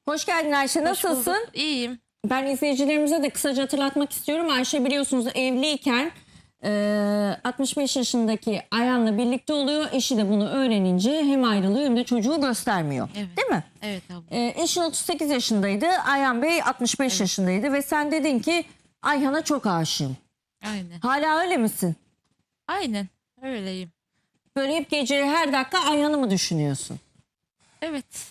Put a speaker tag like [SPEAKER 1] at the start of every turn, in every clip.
[SPEAKER 1] Hoş geldin Ayşe.
[SPEAKER 2] Hoş
[SPEAKER 1] Nasılsın?
[SPEAKER 2] bulduk. İyiyim.
[SPEAKER 1] Ben izleyicilerimize de kısaca hatırlatmak istiyorum. Ayşe biliyorsunuz evliyken 65 yaşındaki Ayhan'la birlikte oluyor. Eşi de bunu öğrenince hem ayrılıyor hem de çocuğu göstermiyor.
[SPEAKER 2] Evet.
[SPEAKER 1] Değil mi?
[SPEAKER 2] Evet abla.
[SPEAKER 1] Eşin 38 yaşındaydı. Ayhan Bey 65 yaşındaydı ve sen dedin ki Ayhan'a çok aşığım.
[SPEAKER 2] Aynen.
[SPEAKER 1] Hala öyle misin?
[SPEAKER 2] Aynen. Öyleyim.
[SPEAKER 1] Böyle hep gece her dakika Ayhan'ı mı düşünüyorsun?
[SPEAKER 2] Evet.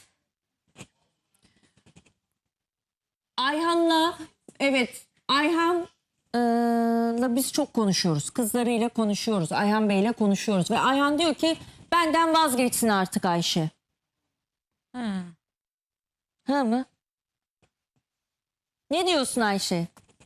[SPEAKER 1] Ayhan'la Ayhan'la biz çok konuşuyoruz. Kızlarıyla konuşuyoruz. Ayhan Bey'le konuşuyoruz. Ve Ayhan diyor ki benden vazgeçsin artık Ayşe.
[SPEAKER 2] Ha.
[SPEAKER 1] Ha mı? Ne diyorsun Ayşe?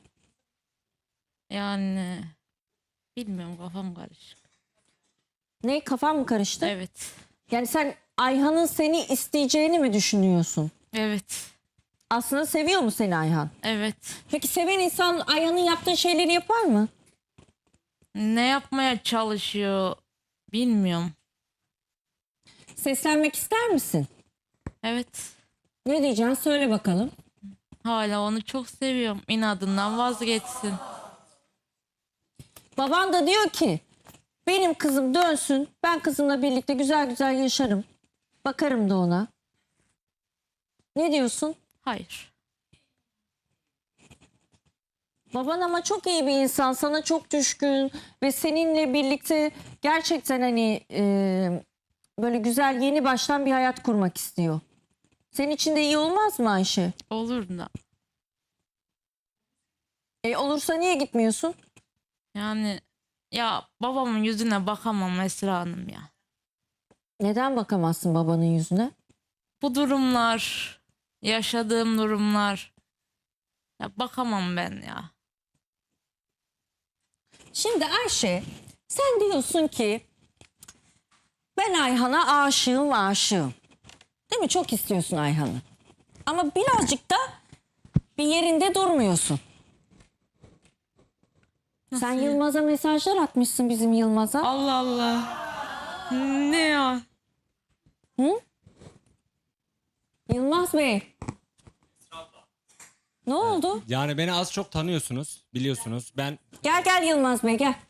[SPEAKER 2] Yani bilmiyorum, kafam karışık.
[SPEAKER 1] Ne, kafan mı karıştı?
[SPEAKER 2] Evet.
[SPEAKER 1] Yani sen Ayhan'ın seni isteyeceğini mi düşünüyorsun?
[SPEAKER 2] Evet.
[SPEAKER 1] Aslında seviyor mu seni Ayhan?
[SPEAKER 2] Evet.
[SPEAKER 1] Peki seven insan Ayhan'ın yaptığı şeyleri yapar mı?
[SPEAKER 2] Ne yapmaya çalışıyor bilmiyorum.
[SPEAKER 1] Seslenmek ister misin?
[SPEAKER 2] Evet.
[SPEAKER 1] Ne diyeceksin? Söyle bakalım.
[SPEAKER 2] Hala onu çok seviyorum. İnadından vazgeçsin.
[SPEAKER 1] Baban da diyor ki benim kızım dönsün. Ben kızımla birlikte güzel güzel yaşarım. Bakarım da ona. Ne diyorsun?
[SPEAKER 2] Hayır.
[SPEAKER 1] Baban ama çok iyi bir insan. Sana çok düşkün. Ve seninle birlikte gerçekten hani böyle güzel yeni baştan bir hayat kurmak istiyor. Senin için de iyi olmaz mı Ayşe?
[SPEAKER 2] Olur da.
[SPEAKER 1] Olursa niye gitmiyorsun?
[SPEAKER 2] Yani ya babamın yüzüne bakamam Esra Hanım ya.
[SPEAKER 1] Neden bakamazsın babanın yüzüne?
[SPEAKER 2] Bu durumlar, yaşadığım durumlar. Ya bakamam ben ya.
[SPEAKER 1] Şimdi Ayşe sen diyorsun ki ben Ayhan'a aşığım. Değil mi? Çok istiyorsun Ayhan'ı. Ama birazcık da bir yerinde durmuyorsun. Sen
[SPEAKER 2] ya?
[SPEAKER 1] Yılmaz'a mesajlar atmışsın, bizim Yılmaz'a.
[SPEAKER 2] Allah Allah. Ne ya?
[SPEAKER 1] Hı? Yılmaz Bey. Ne oldu?
[SPEAKER 3] Yani beni az çok tanıyorsunuz, biliyorsunuz. Ben
[SPEAKER 1] Gel Yılmaz Bey gel.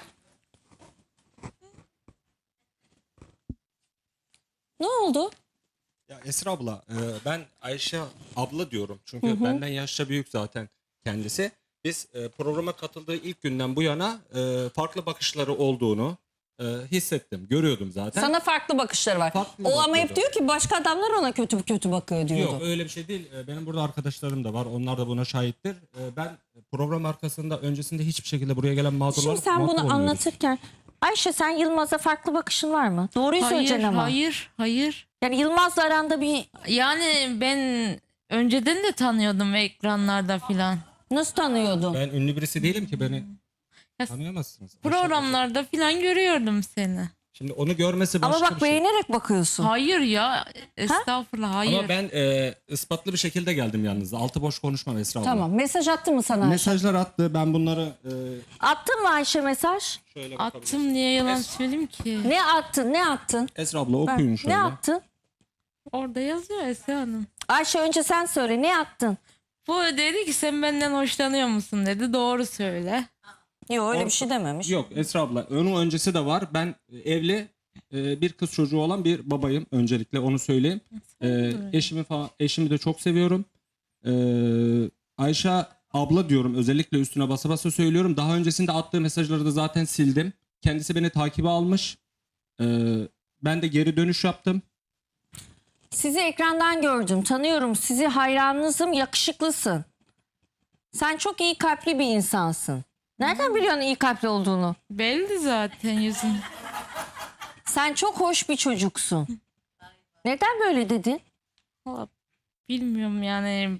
[SPEAKER 1] Ne oldu?
[SPEAKER 3] ya Esra abla, ben Ayşe abla diyorum. Çünkü benden yaşça büyük zaten kendisi. Biz programa katıldığı ilk günden bu yana farklı bakışları olduğunu hissettim, görüyordum zaten.
[SPEAKER 1] Sana farklı bakışları var.
[SPEAKER 3] Farklı
[SPEAKER 1] O ama hep
[SPEAKER 3] bakıyordu.
[SPEAKER 1] diyor ki başka adamlar ona kötü bakıyor diyordu.
[SPEAKER 3] Yok öyle bir şey değil. Benim burada arkadaşlarım da var. Onlar da buna şahittir. Ben program arkasında öncesinde hiçbir şekilde buraya gelen mağdurlar
[SPEAKER 1] Şimdi sen bunu anlatırken Ayşe sen Yılmaz'a farklı bakışın var mı? Doğruyu
[SPEAKER 2] Hayır,
[SPEAKER 1] söyleyeceksin ama.
[SPEAKER 2] hayır.
[SPEAKER 1] Yani Yılmaz'la aranda bir
[SPEAKER 2] Yani ben önceden de tanıyordum ekranlarda filan.
[SPEAKER 1] nasıl tanıyordun?
[SPEAKER 3] Ben ünlü birisi değilim ki beni
[SPEAKER 2] Ya,
[SPEAKER 3] tanıyamazsınız.
[SPEAKER 2] programlarda filan görüyordum seni.
[SPEAKER 3] Şimdi onu görmesi başka
[SPEAKER 1] Ama bak
[SPEAKER 3] bir şey.
[SPEAKER 1] beğenerek bakıyorsun.
[SPEAKER 2] Hayır ya. Estağfurullah, hayır.
[SPEAKER 3] Ama ben ispatlı bir şekilde geldim yalnız. Altı boş konuşmam Esra abla.
[SPEAKER 1] Tamam. Mesaj attı mı sana Ayşe?
[SPEAKER 3] Mesajlar attı. Ben bunları
[SPEAKER 1] Attın mı Ayşe mesaj?
[SPEAKER 3] şöyle
[SPEAKER 2] Attım, niye yalan söyleyeyim ki?
[SPEAKER 1] Ne attın?
[SPEAKER 3] Esra abla okuyun şöyle.
[SPEAKER 1] Ne attın?
[SPEAKER 2] Orada yazıyor Esra Hanım.
[SPEAKER 1] Ayşe önce sen söyle. Ne attın?
[SPEAKER 2] Bu dedi ki sen benden hoşlanıyor musun dedi. Doğru söyle.
[SPEAKER 1] Yok öyle bir şey dememiş.
[SPEAKER 3] Yok Esra abla onun öncesi de var. Ben evli bir kız çocuğu olan bir babayım. Öncelikle onu söyleyeyim. Eşimi de çok seviyorum. Ayşe abla diyorum, özellikle üstüne basa basa söylüyorum. Daha öncesinde attığı mesajları da zaten sildim. Kendisi beni takibe almış. Ben de geri dönüş yaptım.
[SPEAKER 1] Sizi ekrandan gördüm. Tanıyorum. Sizi hayranınızım. Yakışıklısın. Sen çok iyi kalpli bir insansın. Nereden biliyorsun iyi kalpli olduğunu?
[SPEAKER 2] Belli zaten yüzün.
[SPEAKER 1] Sen çok hoş bir çocuksun. Neden böyle dedin?
[SPEAKER 2] Valla bilmiyorum yani.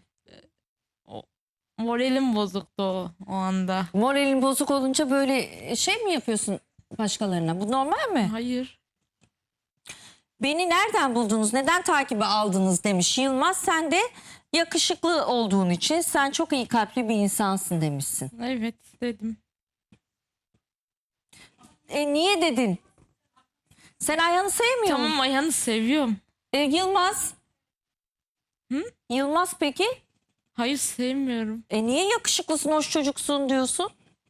[SPEAKER 2] Moralim bozuktu o anda.
[SPEAKER 1] Moralin bozuk olunca böyle şey mi yapıyorsun başkalarına? Bu normal mi?
[SPEAKER 2] Hayır.
[SPEAKER 1] Beni nereden buldunuz? Neden takibe aldınız demiş Yılmaz. Sen de yakışıklı olduğun için sen çok iyi kalpli bir insansın demişsin.
[SPEAKER 2] Evet dedim.
[SPEAKER 1] Niye dedin? Sen Ayhan'ı sevmiyor musun?
[SPEAKER 2] Tamam, Ayhan'ı seviyorum.
[SPEAKER 1] Yılmaz Yılmaz peki?
[SPEAKER 2] Hayır, sevmiyorum.
[SPEAKER 1] Niye yakışıklısın, hoş çocuksun diyorsun?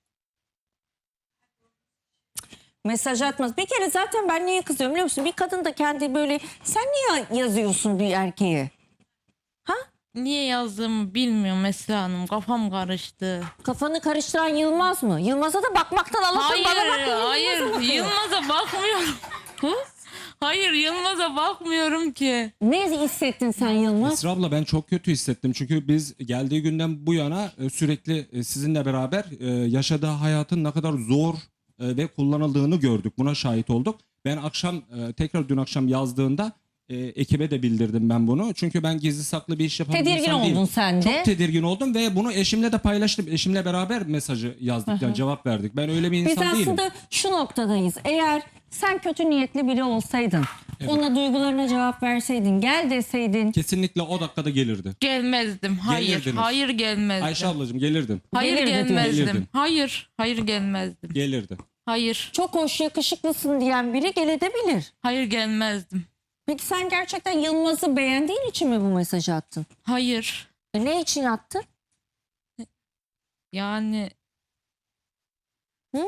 [SPEAKER 1] Mesaj atmaz. Bir kere zaten ben niye kızıyorum biliyor musun? Bir kadın da kendi böyle, sen niye yazıyorsun bir erkeğe? Ha?
[SPEAKER 2] Niye yazdığımı bilmiyorum Esra Hanım. Kafam karıştı.
[SPEAKER 1] Kafanı karıştıran Yılmaz mı? Yılmaz'a da bakmaktan Allah'tan
[SPEAKER 2] Hayır,
[SPEAKER 1] bana bakıyor.
[SPEAKER 2] hayır.
[SPEAKER 1] Yılmaz'a bakıyor.
[SPEAKER 2] Yılmaz'a bakmıyorum.
[SPEAKER 1] Ha?
[SPEAKER 2] Hayır, Yılmaz'a bakmıyorum ki.
[SPEAKER 1] Ne hissettin sen Yılmaz?
[SPEAKER 3] Esra abla ben çok kötü hissettim. Çünkü biz geldiği günden bu yana sürekli sizinle beraber yaşadığı hayatın ne kadar zor ve kullanıldığını gördük. Buna şahit olduk. Ben akşam tekrar dün akşam yazdığında ekibe de bildirdim ben bunu. Çünkü ben gizli saklı bir iş yapan bir
[SPEAKER 1] Tedirgin
[SPEAKER 3] insan değilim.
[SPEAKER 1] oldun sen de.
[SPEAKER 3] Çok tedirgin oldum ve bunu eşimle de paylaştım. Eşimle beraber mesajı yazdık, yani cevap verdik. Ben öyle bir
[SPEAKER 1] Biz
[SPEAKER 3] insan değilim.
[SPEAKER 1] aslında şu noktadayız. Eğer sen kötü niyetli biri olsaydın, ona duygularına cevap verseydin, gel deseydin.
[SPEAKER 3] Kesinlikle o dakikada gelirdi.
[SPEAKER 2] Gelmezdim. Hayır.
[SPEAKER 3] Gelirdiniz.
[SPEAKER 2] Hayır, gelmezdim.
[SPEAKER 3] Ayşe ablacığım gelirdim.
[SPEAKER 2] Hayır,
[SPEAKER 1] Gelirdi diyor.
[SPEAKER 2] gelmezdim.
[SPEAKER 3] Gelirdin.
[SPEAKER 2] Hayır. Hayır, gelmezdim.
[SPEAKER 3] Gelirdi.
[SPEAKER 2] Hayır.
[SPEAKER 1] Çok hoş, yakışıklısın diyen biri gelebilir.
[SPEAKER 2] Hayır, gelmezdim.
[SPEAKER 1] Peki sen gerçekten Yılmaz'ı beğendiğin için mi bu mesajı attın?
[SPEAKER 2] Hayır.
[SPEAKER 1] Ne için attın?
[SPEAKER 2] Yani
[SPEAKER 1] Hı?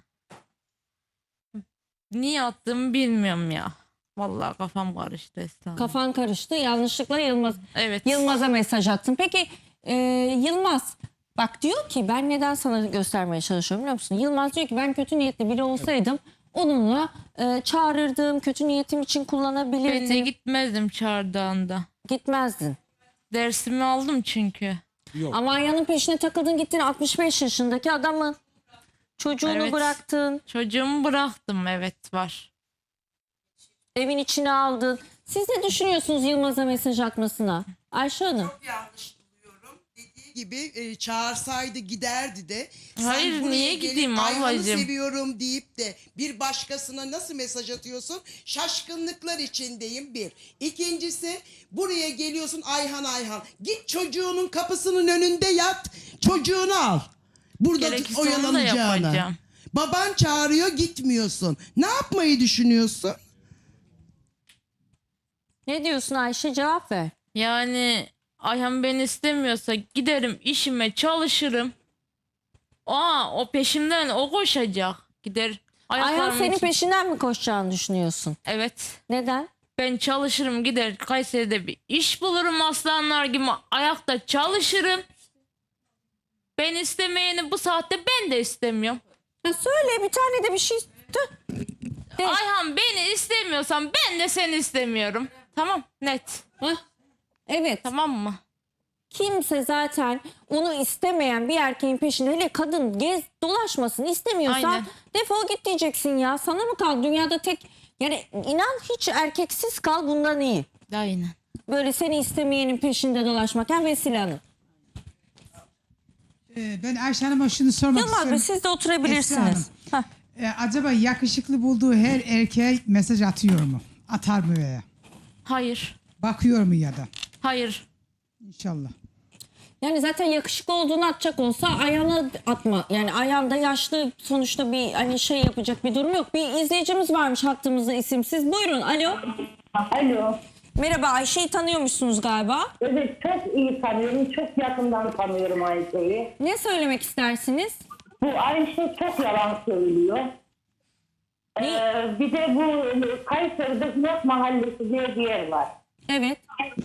[SPEAKER 2] niye attığımı bilmiyorum ya. Vallahi kafam karıştı Esra Hanım.
[SPEAKER 1] Kafan karıştı, yanlışlıkla
[SPEAKER 2] Evet.
[SPEAKER 1] Yılmaz'a mesaj attın. Peki Yılmaz bak diyor ki, ben neden sana göstermeye çalışıyorum biliyor musun? Yılmaz diyor ki ben kötü niyetli biri olsaydım onunla çağırırdım, kötü niyetim için
[SPEAKER 2] Ben de
[SPEAKER 1] kullanabilirdim.
[SPEAKER 2] gitmezdim çağırdığında.
[SPEAKER 1] Gitmezdin.
[SPEAKER 2] Dersimi aldım çünkü.
[SPEAKER 3] Yok.
[SPEAKER 1] Ama Ayhan'ın peşine takıldın, gittin 65 yaşındaki adamın. Çocuğunu
[SPEAKER 2] Evet.
[SPEAKER 1] bıraktın,
[SPEAKER 2] Çocuğumu bıraktım, evet var.
[SPEAKER 1] evin içine aldın. Siz ne düşünüyorsunuz Yılmaz'a mesaj atmasına? Ayşe Hanım.
[SPEAKER 4] Çok yanlış buluyorum. Dediği gibi çağırsaydı giderdi de.
[SPEAKER 2] Hayır,
[SPEAKER 4] buraya
[SPEAKER 2] niye
[SPEAKER 4] gelip
[SPEAKER 2] gideyim
[SPEAKER 4] Ayhan'ı
[SPEAKER 2] ablacığım?
[SPEAKER 4] seviyorum deyip de bir başkasına nasıl mesaj atıyorsun? Şaşkınlıklar içindeyim bir. İkincisi, buraya geliyorsun Ayhan Ayhan. Git çocuğunun kapısının önünde yat, çocuğunu al. Burada
[SPEAKER 2] Gerekirse onu da
[SPEAKER 4] oyalanacağına.
[SPEAKER 2] yapacağım.
[SPEAKER 4] Baban çağırıyor, gitmiyorsun. Ne yapmayı düşünüyorsun?
[SPEAKER 1] Ne diyorsun Ayşe, cevap ver.
[SPEAKER 2] Yani Ayhan beni istemiyorsa giderim işime çalışırım. O peşimden o koşacak. Gider.
[SPEAKER 1] Ayhan
[SPEAKER 2] ayaklarımın
[SPEAKER 1] senin
[SPEAKER 2] için-
[SPEAKER 1] peşinden mi koşacağını düşünüyorsun?
[SPEAKER 2] Evet.
[SPEAKER 1] Neden?
[SPEAKER 2] Ben çalışırım, gider Kayseri'de bir iş bulurum, aslanlar gibi ayakta çalışırım. Ben istemeyeni bu saatte ben de istemiyorum.
[SPEAKER 1] Ya söyle bir tane de bir şey. Tüh. De.
[SPEAKER 2] Ayhan beni istemiyorsan ben de seni istemiyorum. Tamam, net.
[SPEAKER 1] Hah. Evet.
[SPEAKER 2] Tamam mı?
[SPEAKER 1] Kimse zaten onu istemeyen bir erkeğin peşinde, hele kadın gez dolaşmasın istemiyorsan
[SPEAKER 2] Aynen.
[SPEAKER 1] defol git diyeceksin ya. Sana mı kal dünyada tek, yani inan hiç erkeksiz kal, bundan iyi.
[SPEAKER 2] Aynen.
[SPEAKER 1] Böyle seni istemeyenin peşinde dolaşmak. Yani Vesile Hanım.
[SPEAKER 5] Ben Ayşe Hanım'a şunu sormak
[SPEAKER 1] Yılmaz Bey,
[SPEAKER 5] istiyorum.
[SPEAKER 1] siz de oturabilirsiniz. Hah.
[SPEAKER 5] Acaba yakışıklı bulduğu her erkeğe mesaj atıyor mu? Atar mı veya?
[SPEAKER 2] Hayır.
[SPEAKER 5] Bakıyor mu ya da?
[SPEAKER 2] Hayır.
[SPEAKER 5] İnşallah.
[SPEAKER 1] Yani zaten yakışıklı olduğunu atacak olsa Ayhan'a atma. Yani Ayhan da yaşlı, sonuçta bir hani şey yapacak bir durum yok. Bir izleyicimiz varmış hattımızda, isimsiz. Buyurun, alo.
[SPEAKER 6] Alo.
[SPEAKER 1] Merhaba, Ayşe'yi tanıyormuşsunuz galiba.
[SPEAKER 6] Evet, çok iyi tanıyorum. Çok yakından tanıyorum Ayşe'yi.
[SPEAKER 1] Ne söylemek istersiniz?
[SPEAKER 6] Bu Ayşe çok yalan söylüyor. Bir de bu Kayseri'de Hınat Mahallesi diye bir yer var.
[SPEAKER 1] Evet.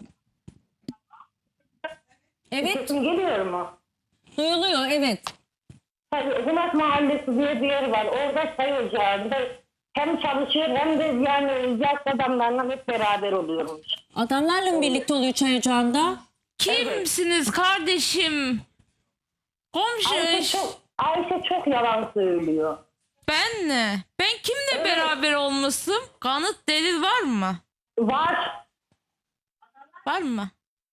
[SPEAKER 1] Evet,
[SPEAKER 6] Sesim geliyor mu?
[SPEAKER 1] duyuluyor, evet.
[SPEAKER 6] Tabii Hınat Mahallesi diye bir yer var. Orada çay ocağında hem çalışıyor hem de yani yaşlı adamlarla hep beraber oluyormuş.
[SPEAKER 1] Adamlarla mı birlikte oluyor çay ocağında?
[SPEAKER 2] Kimsiniz kardeşim? Komşu.
[SPEAKER 6] Ayşe çok yalan söylüyor.
[SPEAKER 2] Ben ne? Ben kimle beraber olmuşum? Kanıt, delil var mı?
[SPEAKER 6] Var.
[SPEAKER 2] Var mı?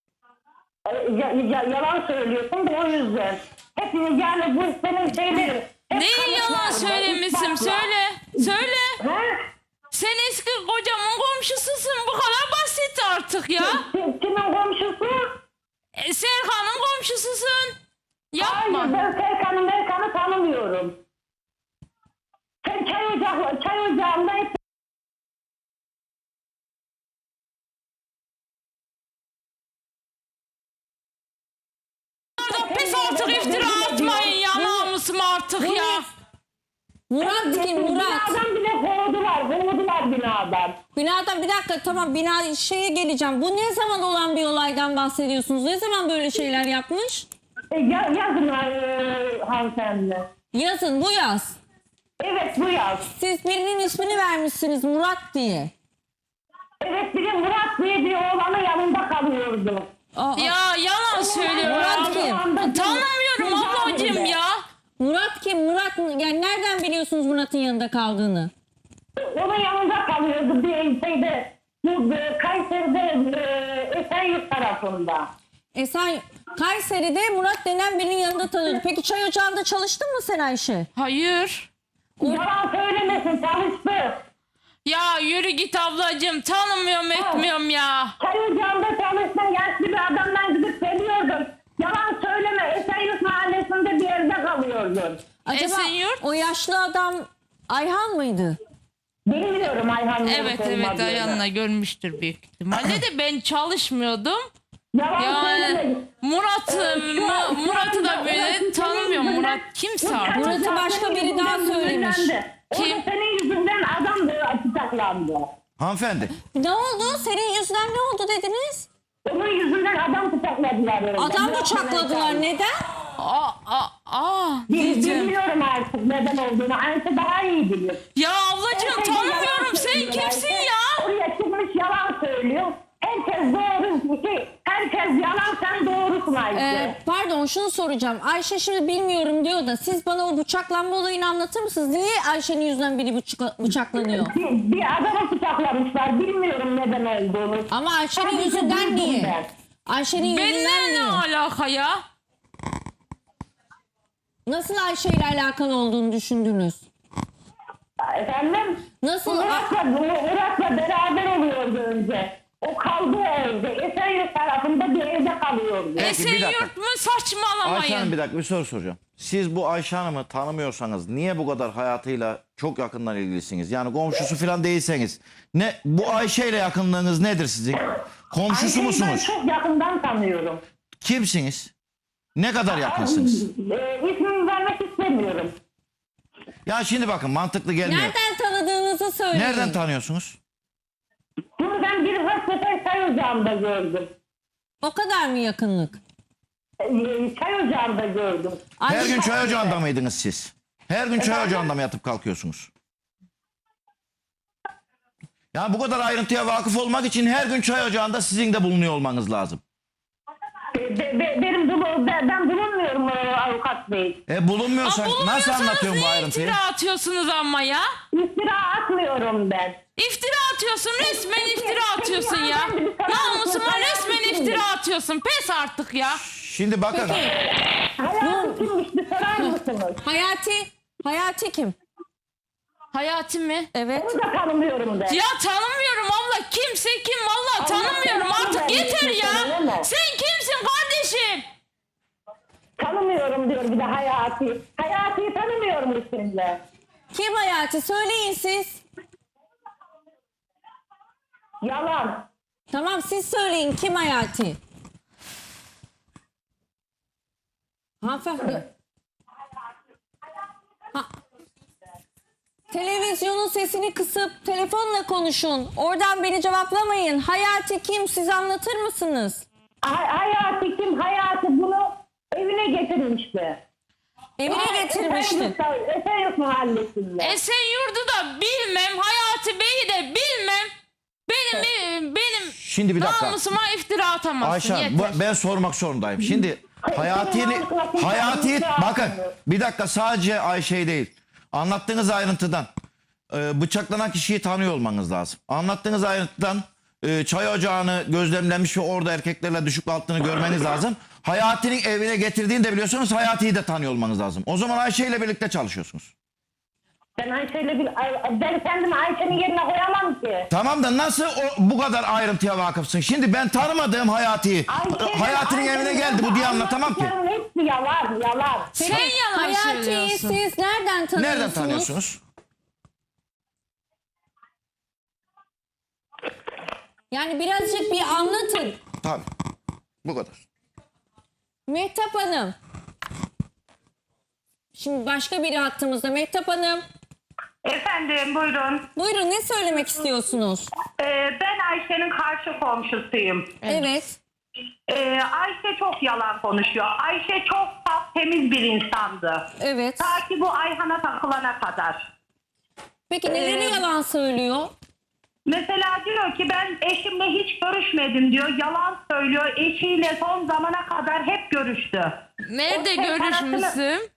[SPEAKER 6] Yalan söylüyorsun da o yüzden. Hep yani bu senin şeylerin. hep
[SPEAKER 2] Neyi yalan
[SPEAKER 6] kanıtlarla,
[SPEAKER 2] söylemişim?
[SPEAKER 6] ispatla.
[SPEAKER 2] Söyle. Söyle.
[SPEAKER 6] Ha?
[SPEAKER 2] Sen eski kocamın komşususun. Bu kadar basit artık ya.
[SPEAKER 6] Kimin komşusu?
[SPEAKER 2] Serkan'ın komşususun. Yapma.
[SPEAKER 6] Hayır, ben Serkan'ı tanımıyorum. Sen çay ocağında hep
[SPEAKER 2] artık
[SPEAKER 1] Bu
[SPEAKER 2] ya.
[SPEAKER 1] ne? Murat kim? Murat.
[SPEAKER 6] Binadan bile kovdular binadan.
[SPEAKER 1] Binadan bir dakika tamam bina şeye geleceğim. Bu ne zaman olan bir olaydan bahsediyorsunuz? Ne zaman böyle şeyler yapmış?
[SPEAKER 6] Yazın hanımefendi.
[SPEAKER 1] Yazın bu yaz.
[SPEAKER 6] Evet bu yaz.
[SPEAKER 1] Siz birinin ismini vermişsiniz Murat diye.
[SPEAKER 6] Evet bir de Murat diye bir oğlanın yanında kalıyordu.
[SPEAKER 1] Aa,
[SPEAKER 2] Ya yalan söylüyor.
[SPEAKER 1] Murat kim?
[SPEAKER 2] Tanımıyorum ablacığım ya.
[SPEAKER 1] Murat kim? Murat yani nereden biliyorsunuz Murat'ın yanında kaldığını?
[SPEAKER 6] Onun yanında kalıyordu bir şeyde. Bu Kayseri'de Esenyurt tarafında.
[SPEAKER 1] Sen Kayseri'de Murat denen birinin yanında tanıyordun. Peki çay ocağında çalıştın mı sen Ayşe?
[SPEAKER 2] Hayır.
[SPEAKER 6] Yalan söylemesin çalıştı.
[SPEAKER 2] Ya yürü git ablacığım. Tanımıyorum etmiyorum ya.
[SPEAKER 6] Çay ocağında çalıştın yaşlı bir adamdan gidip geliyordun. Yalan söyleme Esenyurt mahallesinde bir yerde kalıyordun.
[SPEAKER 1] Acaba
[SPEAKER 2] Esenyurt?
[SPEAKER 1] o yaşlı adam Ayhan mıydı?
[SPEAKER 6] Bilmiyorum Ayhan'ın
[SPEAKER 2] Evet evet Ayhan'la görmüştür büyük ihtimalle de ben çalışmıyordum.
[SPEAKER 6] Yalan
[SPEAKER 2] Yani
[SPEAKER 6] söyleme.
[SPEAKER 2] Murat'ı da böyle tanımıyorum. Murat kimse artık.
[SPEAKER 1] Murat'ı başka biri daha söylemiş.
[SPEAKER 6] Kim?
[SPEAKER 2] Kim?
[SPEAKER 6] O da senin yüzünden adam tutuklandı.
[SPEAKER 7] Hanımefendi.
[SPEAKER 1] Ne oldu? Senin yüzünden ne oldu dediniz?
[SPEAKER 6] Onun yüzünden adam bıçakladılar. öyle.
[SPEAKER 1] Adam bıçakladılar. Neden?
[SPEAKER 6] Bilmiyorum artık neden olduğunu. Ayşe daha iyi bilir.
[SPEAKER 2] Ya ablacığım
[SPEAKER 6] Herkes
[SPEAKER 2] tanımıyorum.
[SPEAKER 6] yalan
[SPEAKER 2] Sen
[SPEAKER 6] söylüyor
[SPEAKER 2] kimsin
[SPEAKER 6] Ayşe.
[SPEAKER 2] ya?
[SPEAKER 6] Oraya çıkmış yalan söylüyor. Herkes doğru. Herkes yalan sen doğrusun Ayşe.
[SPEAKER 1] Pardon şunu soracağım. Ayşe şimdi bilmiyorum diyor da siz bana o bıçaklanma olayını anlatır mısınız? Niye Ayşe'nin yüzünden biri bıçaklanıyor?
[SPEAKER 6] Bir adamı bıçaklamışlar. Bilmiyorum neden olduğunu.
[SPEAKER 1] Ama Ayşe'nin
[SPEAKER 6] Sadece
[SPEAKER 1] yüzünden
[SPEAKER 6] duydum
[SPEAKER 1] niye?
[SPEAKER 6] ben.
[SPEAKER 1] Ayşe'nin yüzünden
[SPEAKER 2] Benimle ne
[SPEAKER 1] niye?
[SPEAKER 2] alaka ya?
[SPEAKER 1] Nasıl Ayşe ile alakalı olduğunu düşündünüz?
[SPEAKER 6] Efendim?
[SPEAKER 1] Nasıl?
[SPEAKER 6] Murat'la beraber oluyordu önce. O kaldığı evde. Esenyurt tarafında bir evde kalıyordu.
[SPEAKER 7] Peki, bir dakika.
[SPEAKER 2] Esenyurt mu
[SPEAKER 7] Ayşe Hanım
[SPEAKER 2] saçmalamayın.
[SPEAKER 7] bir dakika bir soru soracağım. Siz bu Ayşe Hanım'ı tanımıyorsanız niye bu kadar hayatıyla çok yakından ilgilisiniz? Yani komşusu falan değilseniz. Ne bu Ayşe ile yakınlığınız nedir sizin? Komşusu
[SPEAKER 6] Ayşe'yi
[SPEAKER 7] musunuz?
[SPEAKER 6] ben çok yakından tanıyorum.
[SPEAKER 7] Kimsiniz? Ne kadar yakınsınız?
[SPEAKER 6] İsmini vermek istemiyorum.
[SPEAKER 7] Ya şimdi bakın mantıklı gelmiyor.
[SPEAKER 1] Nereden tanıdığınızı söyleyin.
[SPEAKER 7] Nereden tanıyorsunuz?
[SPEAKER 6] Bunu ben bir sefer çay ocağında gördüm.
[SPEAKER 1] O kadar mı yakınlık?
[SPEAKER 6] Çay ocağında gördüm.
[SPEAKER 7] Her
[SPEAKER 1] Ayşe,
[SPEAKER 7] gün çay ocağında mıydınız siz? Her gün çay ocağında mı yatıp kalkıyorsunuz? Yani bu kadar ayrıntıya vakıf olmak için her gün çay ocağında sizin de bulunuyor olmanız lazım.
[SPEAKER 6] Ben bulunmuyorum avukat bey.
[SPEAKER 7] Bulunmuyorsan nasıl
[SPEAKER 2] Bulunmuyorsanız
[SPEAKER 7] anlatıyorum bu
[SPEAKER 2] niye
[SPEAKER 7] ayrıntıyı?
[SPEAKER 2] iftira atıyorsunuz ama ya?
[SPEAKER 6] İftira atmıyorum ben.
[SPEAKER 2] İftira atıyorsun resmen iftira atıyorsun ya.
[SPEAKER 6] hanımefendi, bir sorar
[SPEAKER 2] Namusuma
[SPEAKER 6] mısın?
[SPEAKER 2] resmen iftira atıyorsun. Pes artık ya.
[SPEAKER 7] Şimdi bakın.
[SPEAKER 6] Hayatı kimmiş bir sorar mısınız?
[SPEAKER 1] Hayati kim?
[SPEAKER 2] Hayati mi?
[SPEAKER 1] Evet.
[SPEAKER 6] Onu da tanımıyorum ben.
[SPEAKER 2] Ya tanımıyorum abla. Kimse kim valla tanımıyorum. Artık yeter ya. Sen kimsin kardeşim?
[SPEAKER 6] Tanımıyorum diyor bir de Hayati. Hayati'yi tanımıyorum üstünde.
[SPEAKER 1] Kim Hayati? Söyleyin siz.
[SPEAKER 6] Yalan.
[SPEAKER 1] Tamam siz söyleyin kim Hayati? Hanımefendi. Televizyonun sesini kısıp telefonla konuşun. Oradan beni cevaplamayın. Hayati kim? Siz anlatır mısınız?
[SPEAKER 6] Hayati kim? Hayati bunu evine getirmişti.
[SPEAKER 1] Evine getirmişti.
[SPEAKER 6] Esenyurt mahallesinde.
[SPEAKER 2] Esenyurt'u da bilmem. Hayati Bey'i de bilmem. Benim
[SPEAKER 7] Şimdi bir dakika.
[SPEAKER 2] namusuma iftira atamazsın.
[SPEAKER 7] Ayşe Hanım,
[SPEAKER 2] yeter.
[SPEAKER 7] ben sormak zorundayım. Şimdi Hayati bakın bir dakika sadece Ayşe'yi değil. Anlattığınız ayrıntıdan bıçaklanan kişiyi tanıyor olmanız lazım. Anlattığınız ayrıntıdan çay ocağını gözlemlemiş ve orada erkeklerle düşük altını görmeniz lazım. Hayati'nin evine getirdiğini de biliyorsanız Hayati'yi de tanıyor olmanız lazım. O zaman Ayşe ile birlikte çalışıyorsunuz.
[SPEAKER 6] Ben kendimi Ayşe'nin yerine koyamam ki.
[SPEAKER 7] Tamam da nasıl bu kadar ayrıntıya vakıfsın? Şimdi ben tanımadığım Hayati'yi Hayati'nin evine geldi bu diye anlatamam ki.
[SPEAKER 6] Hepsi yalan.
[SPEAKER 2] Sen yalan
[SPEAKER 1] Hayati'yi
[SPEAKER 2] söylüyorsun.
[SPEAKER 1] siz nereden tanıyorsunuz?
[SPEAKER 7] Nereden tanıyorsunuz?
[SPEAKER 1] Yani birazcık bir anlatın.
[SPEAKER 7] Tabii. Bu kadar.
[SPEAKER 1] Mehtap Hanım. Şimdi başka biri hattımızda. Mehtap Hanım.
[SPEAKER 6] Efendim buyurun.
[SPEAKER 1] Buyurun, ne söylemek istiyorsunuz?
[SPEAKER 6] Ben Ayşe'nin karşı komşusuyum.
[SPEAKER 1] Evet.
[SPEAKER 6] Ayşe çok yalan konuşuyor. Ayşe çok saf, temiz bir insandı.
[SPEAKER 1] Evet.
[SPEAKER 6] Ta ki bu Ayhan'a takılana kadar.
[SPEAKER 1] Peki neleri yalan söylüyor?
[SPEAKER 6] Mesela diyor ki ben eşimle hiç görüşmedim diyor. Yalan söylüyor. Eşiyle son zamana kadar hep görüştü.
[SPEAKER 2] Nerede
[SPEAKER 6] Otel
[SPEAKER 2] görüşmüşsün?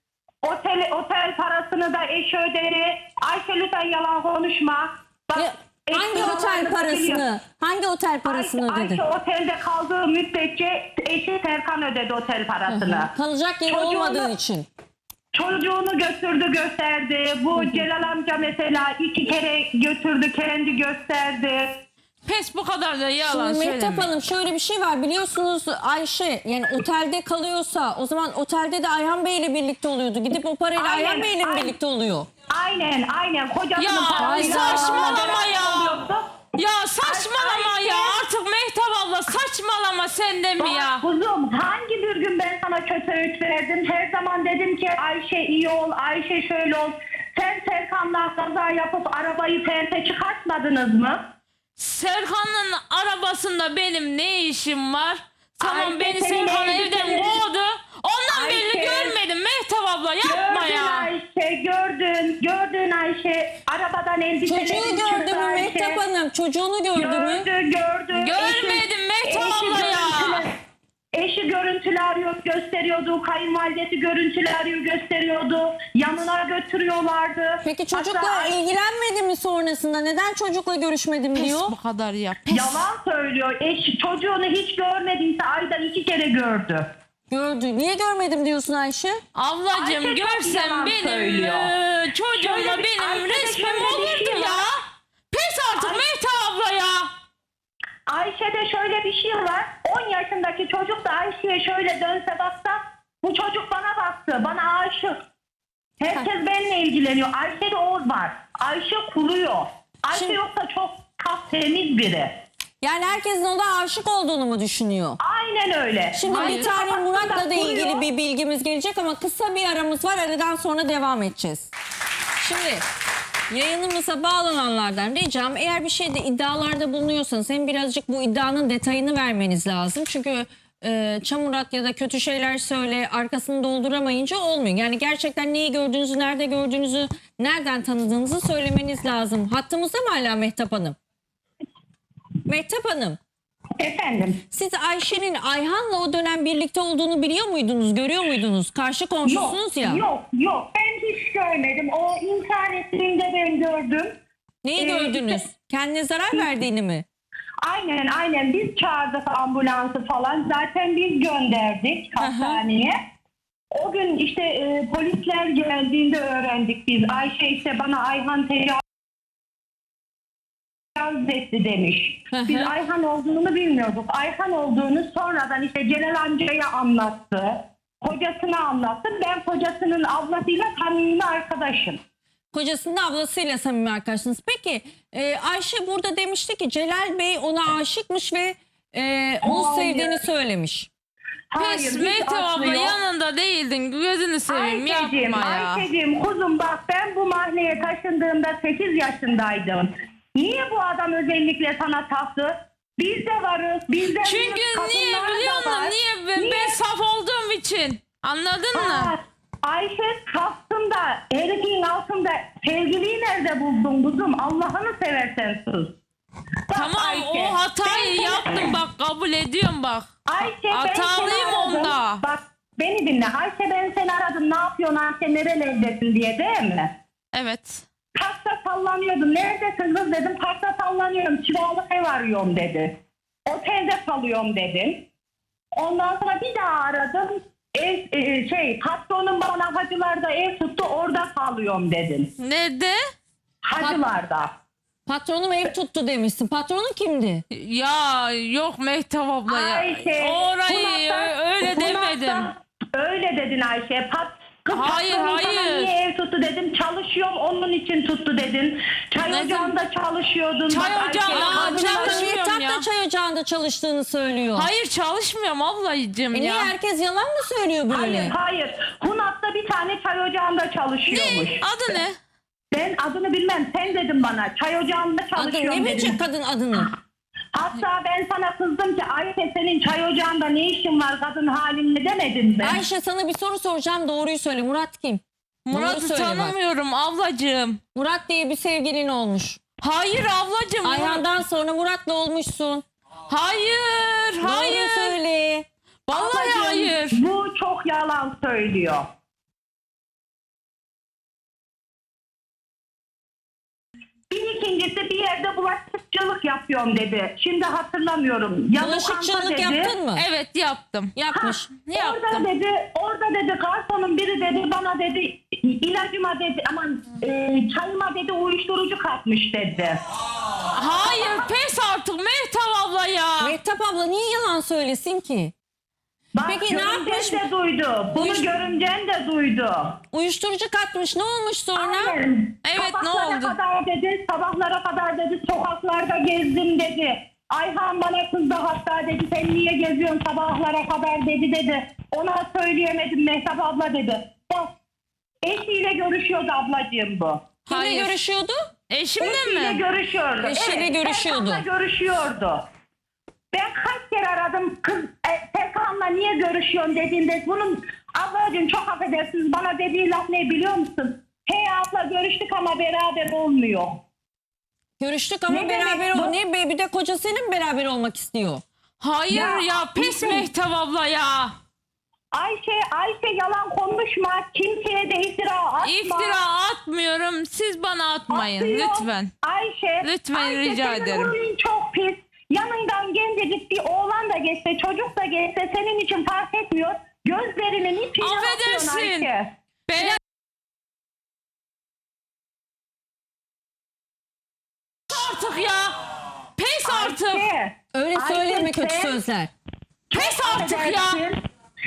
[SPEAKER 6] Otel parasını da eşi ödedi. Ayşe lütfen yalan konuşma. Bak,
[SPEAKER 1] Ya, hangi
[SPEAKER 6] eşi
[SPEAKER 1] otel
[SPEAKER 6] yalanını biliyor.
[SPEAKER 1] parasını? Hangi otel parasını ödedi?
[SPEAKER 6] Ayşe otelde kaldığı müddetçe eşi Serkan ödedi otel parasını.
[SPEAKER 1] Kalacak yeri
[SPEAKER 6] Çocuğunu-
[SPEAKER 1] olmadığı için.
[SPEAKER 6] Çocuğunu götürdü gösterdi. Bu Celal amca mesela 2 kere götürdü kendi gösterdi.
[SPEAKER 2] Pes, bu kadar da yalan
[SPEAKER 1] Şimdi Mehtap
[SPEAKER 2] söyleme.
[SPEAKER 1] Hanım, şöyle bir şey var, biliyorsunuz Ayşe yani otelde kalıyorsa o zaman otelde de Ayhan Bey ile birlikte oluyordu. Gidip o parayla
[SPEAKER 6] Aynen,
[SPEAKER 1] Ayhan Bey ile mi
[SPEAKER 6] aynen.
[SPEAKER 1] birlikte oluyor?
[SPEAKER 6] Aynen kocasının
[SPEAKER 2] Ya,
[SPEAKER 6] parasıyla
[SPEAKER 2] saçmalama ya.
[SPEAKER 6] oluyordu.
[SPEAKER 2] Ya saçmalama
[SPEAKER 6] Ayşe.
[SPEAKER 2] ya, artık Mehtap abla saçmalama sen de mi ya?
[SPEAKER 6] Bak kuzum, hangi bir gün ben sana kötü öğüt verdim? Her zaman dedim ki Ayşe iyi ol, Ayşe şöyle ol. Sen Serkan'la kaza yapıp arabayı perte çıkartmadınız mı?
[SPEAKER 2] Serkan'ın arabasında benim ne işim var? Tamam,
[SPEAKER 6] Ayşe,
[SPEAKER 2] beni
[SPEAKER 6] senin
[SPEAKER 2] Serkan evden
[SPEAKER 6] elbiselerin-
[SPEAKER 2] kovdu. Ondan
[SPEAKER 6] Ayşe.
[SPEAKER 2] belli görmedim Mehtap abla, yapma
[SPEAKER 6] Gördün
[SPEAKER 2] ya.
[SPEAKER 6] Ayşe, gördün Ayşe. Arabadan elbiselerini
[SPEAKER 1] Çocuğu gördü mü Mehtap Hanım? Çocuğunu gördü mü?
[SPEAKER 6] Gördü.
[SPEAKER 2] Görmedim Mehtap abla ya.
[SPEAKER 6] Eşi görüntülü arıyor, gösteriyordu. Kayınvalidesi görüntülü arıyor, gösteriyordu. Yanına götürüyorlardı.
[SPEAKER 1] Peki çocukla
[SPEAKER 6] Hatta
[SPEAKER 1] ilgilenmedi mi sonrasında? Neden çocukla görüşmedim
[SPEAKER 2] Pes,
[SPEAKER 1] diyor?
[SPEAKER 2] bu kadar ya. Pes.
[SPEAKER 6] yalan söylüyor. Çocuğunu hiç görmediyse ayda 2 kere gördü.
[SPEAKER 1] Gördü. Niye görmedim diyorsun Ayşe?
[SPEAKER 2] Ablacığım
[SPEAKER 6] Ayşe çok
[SPEAKER 2] görsen
[SPEAKER 6] yalan
[SPEAKER 2] benim
[SPEAKER 6] söylüyor.
[SPEAKER 2] çocuğumla
[SPEAKER 6] Şöyle bir-
[SPEAKER 2] benim
[SPEAKER 6] Ayşe'de
[SPEAKER 2] resmim
[SPEAKER 6] şöyle bir
[SPEAKER 2] olurdu
[SPEAKER 6] şey
[SPEAKER 2] ya.
[SPEAKER 6] var.
[SPEAKER 2] Pes artık Mehtap abla ya.
[SPEAKER 6] Ayşe'de şöyle bir şey var. 10 yaşındaki çocuk da Ayşe'ye şöyle dönse baksa, bu çocuk bana baktı, bana aşık. Herkes benimle ilgileniyor. Ayşe'de o var. Ayşe kuruyor. Ayşe
[SPEAKER 1] Şimdi-
[SPEAKER 6] yoksa çok temiz biri.
[SPEAKER 1] Yani herkesin ona aşık olduğunu mu düşünüyor?
[SPEAKER 6] Aynen öyle.
[SPEAKER 1] Şimdi
[SPEAKER 6] Ayşe
[SPEAKER 1] bir tane
[SPEAKER 6] kafasında
[SPEAKER 1] Murat'la da ilgili
[SPEAKER 6] kuruyor.
[SPEAKER 1] bir bilgimiz gelecek ama kısa bir aramız var. Aradan sonra devam edeceğiz. Şimdi yayınımıza bağlananlardan ricam, eğer bir şeyde iddialarda bulunuyorsanız hem birazcık bu iddianın detayını vermeniz lazım. Çünkü çamurat ya da kötü şeyler söyle, arkasını dolduramayınca olmuyor. Yani gerçekten neyi gördüğünüzü, nerede gördüğünüzü, nereden tanıdığınızı söylemeniz lazım. Hattımızda mı hala Mehtap Hanım? Mehtap Hanım,
[SPEAKER 6] Efendim.
[SPEAKER 1] siz Ayşe'nin Ayhan'la o dönem birlikte olduğunu biliyor muydunuz, görüyor muydunuz? Karşı komşusunuz ya.
[SPEAKER 6] Yok. Ben hiç görmedim. O internetinde ben gördüm.
[SPEAKER 1] Neyi gördünüz? Kendine zarar verdiğini mi?
[SPEAKER 6] Aynen. Biz çağırdık ambulansı falan. Zaten biz gönderdik hastaneye. O gün işte polisler geldiğinde öğrendik biz. Ayşe işte bana Ayhan tecavüz etti demiş.
[SPEAKER 1] Hı hı.
[SPEAKER 6] Biz Ayhan olduğunu bilmiyorduk. Ayhan olduğunu sonradan işte Celal amcaya anlattı. Kocasına anlattı. Ben kocasının ablasıyla samimi arkadaşım.
[SPEAKER 1] Kocasının ablasıyla samimi arkadaşsınız. Peki Ayşe burada demişti ki Celal Bey ona aşıkmış ve onu
[SPEAKER 6] Hayır.
[SPEAKER 1] sevdiğini söylemiş.
[SPEAKER 2] Pes
[SPEAKER 6] hiç
[SPEAKER 2] Mehtap abla,
[SPEAKER 6] aslı yok.
[SPEAKER 2] yanında değildin, gözünü seveyim, yapma ya.
[SPEAKER 6] Ayşe'cim kuzum bak, ben bu mahalleye taşındığımda 8 yaşındaydım. Niye bu adam özellikle sana taktı? Biz de varız. Biz de
[SPEAKER 2] Çünkü niye biliyor musun? Niye? Ben saf olduğum için. Anladın mı?
[SPEAKER 6] Ayşe kastında herifin altında sevgiliyi nerede buldun kuzum? Allah'ını seversen sus. Bak
[SPEAKER 2] Tamam,
[SPEAKER 6] Ayşe,
[SPEAKER 2] o hatayı
[SPEAKER 6] ben seni-
[SPEAKER 2] yaptım, bak kabul ediyorum bak.
[SPEAKER 6] Ayşe ben
[SPEAKER 2] Hatalıyım
[SPEAKER 6] seni aradım.
[SPEAKER 2] onda.
[SPEAKER 6] Bak beni dinle. Ayşe ben seni aradım. Ne yapıyorsun Ayşe? Nerelerdesin diye, değil mi?
[SPEAKER 2] Evet.
[SPEAKER 6] Parkta sallanıyordum. Neredesin kız dedim. Parkta sallanıyorum. Kiralık ev arıyorum dedi. Otelde kalıyorum dedim. Ondan sonra bir daha aradım. Patronum bana Hacılar'da ev tuttu. Orada kalıyorum dedim.
[SPEAKER 2] Nerede?
[SPEAKER 6] Hacılar'da.
[SPEAKER 1] Patronum ev tuttu demişsin. Patronun kimdi?
[SPEAKER 2] Ya yok Mehtap abla ya.
[SPEAKER 6] Ayşe.
[SPEAKER 2] Orayı öyle demedim.
[SPEAKER 6] Öyle dedin Ayşe. Kız
[SPEAKER 2] Hayır,
[SPEAKER 6] patronun sana
[SPEAKER 2] hayır.
[SPEAKER 6] niye ev tuttu dedim. Çalışıyorum onun için tuttu dedin. Çay
[SPEAKER 2] Ne
[SPEAKER 6] ocağında çalışıyordun.
[SPEAKER 2] Çay
[SPEAKER 6] Bak,
[SPEAKER 2] ocağında
[SPEAKER 6] Ayşe,
[SPEAKER 2] Aa,
[SPEAKER 6] kadın-
[SPEAKER 2] çalışmıyorum
[SPEAKER 1] Mehtap
[SPEAKER 2] ya.
[SPEAKER 1] da çay ocağında çalıştığını söylüyor.
[SPEAKER 2] Hayır çalışmıyorum ablacığım
[SPEAKER 1] Niye
[SPEAKER 2] ya.
[SPEAKER 1] herkes yalan mı söylüyor böyle?
[SPEAKER 6] Hayır. Hunat'ta bir tane çay ocağında çalışıyormuş.
[SPEAKER 2] Adı ne?
[SPEAKER 6] Ben adını bilmem. Sen dedin bana. Çay ocağında
[SPEAKER 1] Adı
[SPEAKER 6] çalışıyorum
[SPEAKER 1] ne
[SPEAKER 6] dedin.
[SPEAKER 1] bilecek kadın adını?
[SPEAKER 6] Hatta ben sana kızdım ki Ayşe senin çay ocağında ne işin var kadın halinde demedin mi?
[SPEAKER 1] Ayşe sana bir soru soracağım, doğruyu söyle. Murat kim? Doğru
[SPEAKER 2] Murat'ı
[SPEAKER 1] söyle bak.
[SPEAKER 2] tanımıyorum ablacığım.
[SPEAKER 1] Murat diye bir sevgilin olmuş.
[SPEAKER 2] Hayır ablacığım.
[SPEAKER 1] Ayhan'dan sonra Murat'la olmuşsun.
[SPEAKER 2] Hayır,
[SPEAKER 1] Doğru
[SPEAKER 2] hayır.
[SPEAKER 1] söyle.
[SPEAKER 2] Vallahi
[SPEAKER 6] Ablacığım,
[SPEAKER 2] hayır.
[SPEAKER 6] Bu çok yalan söylüyor. Bir ikincisi bir yerde bulaşıkçılık yapıyorum dedi. Şimdi hatırlamıyorum. Ya lokanta
[SPEAKER 1] Bulaşıkçılık
[SPEAKER 6] dedi.
[SPEAKER 1] yaptın mı?
[SPEAKER 2] Evet yaptım.
[SPEAKER 1] Yapmış.
[SPEAKER 2] Yaptım.
[SPEAKER 6] Orada dedi garsonun biri dedi bana dedi ilacıma dedi aman çayıma dedi uyuşturucu katmış dedi.
[SPEAKER 2] Hayır pes artık Mehtap abla ya.
[SPEAKER 1] Mehtap abla niye yalan söylesin ki?
[SPEAKER 6] Bak,
[SPEAKER 1] Peki ne
[SPEAKER 6] görümcen
[SPEAKER 1] yapmış?
[SPEAKER 6] de duydu. Bunu
[SPEAKER 1] Uyuş-
[SPEAKER 6] görümcen de duydu.
[SPEAKER 1] Uyuşturucu katmış, ne olmuş sonra?
[SPEAKER 6] Aynen.
[SPEAKER 2] Evet, ne
[SPEAKER 6] Sabahlara
[SPEAKER 2] oldu?
[SPEAKER 6] kadar dedi, sabahlara kadar dedi, sokaklarda gezdim dedi. Ayhan bana kızdı hatta dedi, sen niye geziyorsun sabahlara kadar dedi. Ona söyleyemedim Mehtap abla dedi. Bak, eşiyle görüşüyordu ablacığım bu.
[SPEAKER 1] Kimle
[SPEAKER 2] Hayır.
[SPEAKER 1] görüşüyordu?
[SPEAKER 2] Eşimle
[SPEAKER 6] Eşiyle
[SPEAKER 2] mi?
[SPEAKER 6] görüşüyordu.
[SPEAKER 1] Eşiyle görüşüyordu.
[SPEAKER 6] Serkan'la görüşüyordu. Ben kaç kere aradım kız Serkan'la niye görüşüyorsun dediğinde bunun ablacığım çok affedersiniz bana dediği laf ne biliyor musun? Hey abla görüştük ama beraber olmuyor.
[SPEAKER 1] Görüştük ama
[SPEAKER 6] Ne
[SPEAKER 1] beraber
[SPEAKER 6] demek bu?
[SPEAKER 1] Ne be, bir de kocasıyla mı beraber olmak istiyor?
[SPEAKER 2] Hayır
[SPEAKER 6] Ya,
[SPEAKER 2] ya pes
[SPEAKER 6] bizim-
[SPEAKER 2] Mehtap abla ya.
[SPEAKER 6] Ayşe yalan konuşma. Kimseye de iftira atma.
[SPEAKER 2] İftira atmıyorum. Siz bana atmayın
[SPEAKER 6] Atıyor.
[SPEAKER 2] lütfen.
[SPEAKER 6] Ayşe.
[SPEAKER 2] Lütfen, rica
[SPEAKER 6] senin
[SPEAKER 2] ederim.
[SPEAKER 6] huyun çok pis. Yanından gencecik bir oğlan da geçse, çocuk da geçse senin için fark etmiyor. Gözlerinin içine
[SPEAKER 2] Affedersin.
[SPEAKER 6] atıyorsun Ayşe.
[SPEAKER 2] Ben artık ya. Pes artık.
[SPEAKER 6] Ayşe.
[SPEAKER 1] Öyle
[SPEAKER 6] Ayşe,
[SPEAKER 1] söyleme kötü
[SPEAKER 6] sen-
[SPEAKER 1] sözler.
[SPEAKER 2] Pes artık ya.
[SPEAKER 6] Affedersin.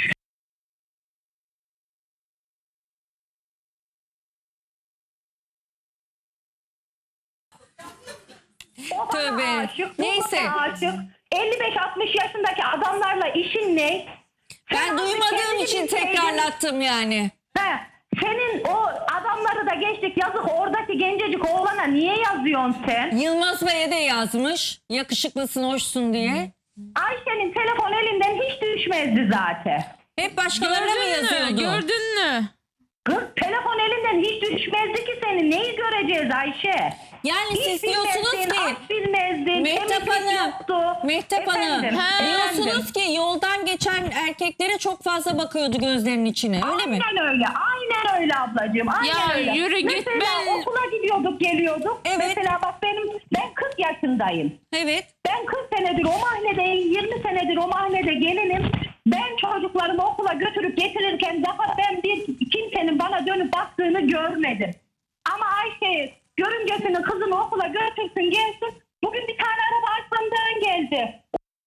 [SPEAKER 6] O bana
[SPEAKER 1] Tövbe.
[SPEAKER 6] aşık, bu
[SPEAKER 1] Neyse.
[SPEAKER 6] bana aşık. 55-60 yaşındaki adamlarla işin ne?
[SPEAKER 1] Ben
[SPEAKER 6] Sen
[SPEAKER 1] duymadığım
[SPEAKER 6] kendini
[SPEAKER 1] için
[SPEAKER 6] bilseydin-
[SPEAKER 1] tekrarlattım yani.
[SPEAKER 6] He, senin o adamları da geçtik yazık oradaki gencecik oğlana niye yazıyorsun sen?
[SPEAKER 1] Yılmaz Bey'e de yazmış. Yakışıklısın, hoşsun diye.
[SPEAKER 6] Ayşe'nin telefon elinden hiç düşmezdi zaten.
[SPEAKER 1] Hep başkalarına mı
[SPEAKER 2] Gördün mü?
[SPEAKER 1] yazıyordu?
[SPEAKER 2] Gördün mü?
[SPEAKER 6] Kız telefon elinden hiç düşmezdi ki senin. Neyi göreceğiz Ayşe?
[SPEAKER 1] Yani
[SPEAKER 6] Hiç
[SPEAKER 1] siz diyorsunuz
[SPEAKER 6] bilmezdin,
[SPEAKER 1] ki
[SPEAKER 6] az bilmezdin,
[SPEAKER 1] Mehtap
[SPEAKER 6] temizlik
[SPEAKER 1] Hanım,
[SPEAKER 6] yoktu.
[SPEAKER 1] Mehtap Hanım
[SPEAKER 6] Efendim,
[SPEAKER 1] diyorsunuz ki yoldan geçen erkeklere çok fazla bakıyordu gözlerinin içine, öyle mi?
[SPEAKER 6] Aynen öyle, aynen öyle ablacığım, aynen
[SPEAKER 2] Ya
[SPEAKER 6] öyle.
[SPEAKER 2] yürü git,
[SPEAKER 6] Mesela
[SPEAKER 2] ben-
[SPEAKER 6] okula gidiyorduk, geliyorduk.
[SPEAKER 1] Evet.
[SPEAKER 6] Mesela bak ben 40 yaşındayım.
[SPEAKER 1] Evet.
[SPEAKER 6] Ben 40 senedir o mahalledeyim, 20 senedir o mahallede gelinim. Ben çocuklarımı okula götürüp getirirken daha ben bir kimsenin bana dönüp baktığını görmedim. Ama Ayşe görümcesinin kızını okula götürsün gelsin. Bugün bir tane araba arkamdan geldi.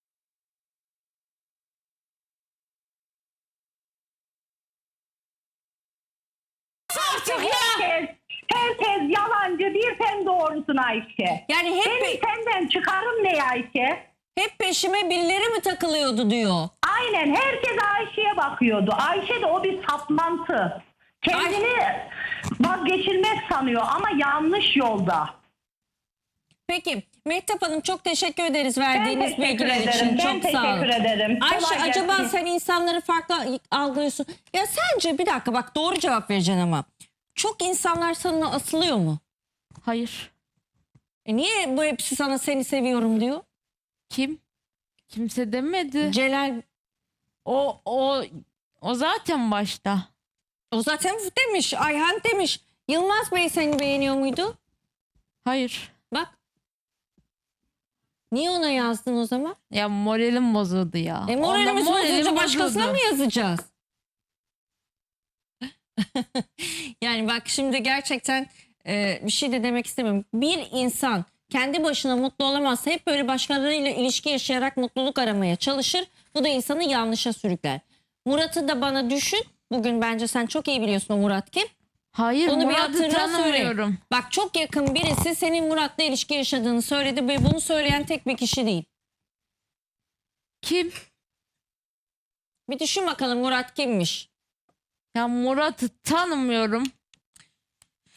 [SPEAKER 2] Artık ya.
[SPEAKER 6] Herkes yalancı bir sen doğrusun Ayşe.
[SPEAKER 1] Yani hep
[SPEAKER 6] Benim senden çıkarım ne Ayşe?
[SPEAKER 1] hep peşime birileri mi takılıyordu diyor.
[SPEAKER 6] Aynen herkes Ayşe'ye bakıyordu. Ayşe de o bir saplantı. Kendini vazgeçilmez sanıyor ama yanlış yolda.
[SPEAKER 1] Peki Mehtap Hanım çok teşekkür ederiz
[SPEAKER 6] Ben
[SPEAKER 1] verdiğiniz
[SPEAKER 6] teşekkür
[SPEAKER 1] bilgiler
[SPEAKER 6] ederim.
[SPEAKER 1] için.
[SPEAKER 6] Ben
[SPEAKER 1] Çok sağ olun.
[SPEAKER 6] teşekkür ederim.
[SPEAKER 1] Ayşe
[SPEAKER 6] Kolay
[SPEAKER 1] acaba
[SPEAKER 6] gelsin.
[SPEAKER 1] sen insanları farklı algılıyorsun. Ya sence bir dakika bak doğru cevap vereceksin ama. Çok insanlar sana asılıyor mu?
[SPEAKER 2] Hayır.
[SPEAKER 1] Niye bu hepsi sana seni seviyorum diyor?
[SPEAKER 2] Kim? Kimse demedi.
[SPEAKER 1] Celal
[SPEAKER 2] O zaten başta.
[SPEAKER 1] o zaten demiş. Ayhan demiş. Yılmaz Bey seni beğeniyor muydu?
[SPEAKER 2] Hayır.
[SPEAKER 1] Bak. Niye ona yazdın o zaman?
[SPEAKER 2] Ya moralim bozuldu ya.
[SPEAKER 1] Moralimiz
[SPEAKER 2] Ondan
[SPEAKER 1] bozulunca başkasına
[SPEAKER 2] bozuldu.
[SPEAKER 1] mı yazacağız? Yani bak şimdi gerçekten bir şey de demek istemiyorum. Bir insan kendi başına mutlu olamazsa hep böyle başkalarıyla ilişki yaşayarak mutluluk aramaya çalışır. Bu da insanı yanlışa sürükler. Murat'ı da bana düşün. Bugün bence sen çok iyi biliyorsun o Murat kim.
[SPEAKER 2] Hayır,
[SPEAKER 1] Onu bir
[SPEAKER 2] Murat'ı
[SPEAKER 1] hatırla, söyle.
[SPEAKER 2] tanımıyorum.
[SPEAKER 1] Bak çok yakın birisi senin Murat'la ilişki yaşadığını söyledi ve bunu söyleyen tek bir kişi değil.
[SPEAKER 2] Kim?
[SPEAKER 1] Bir düşün bakalım Murat kimmiş?
[SPEAKER 2] Ya Murat'ı tanımıyorum.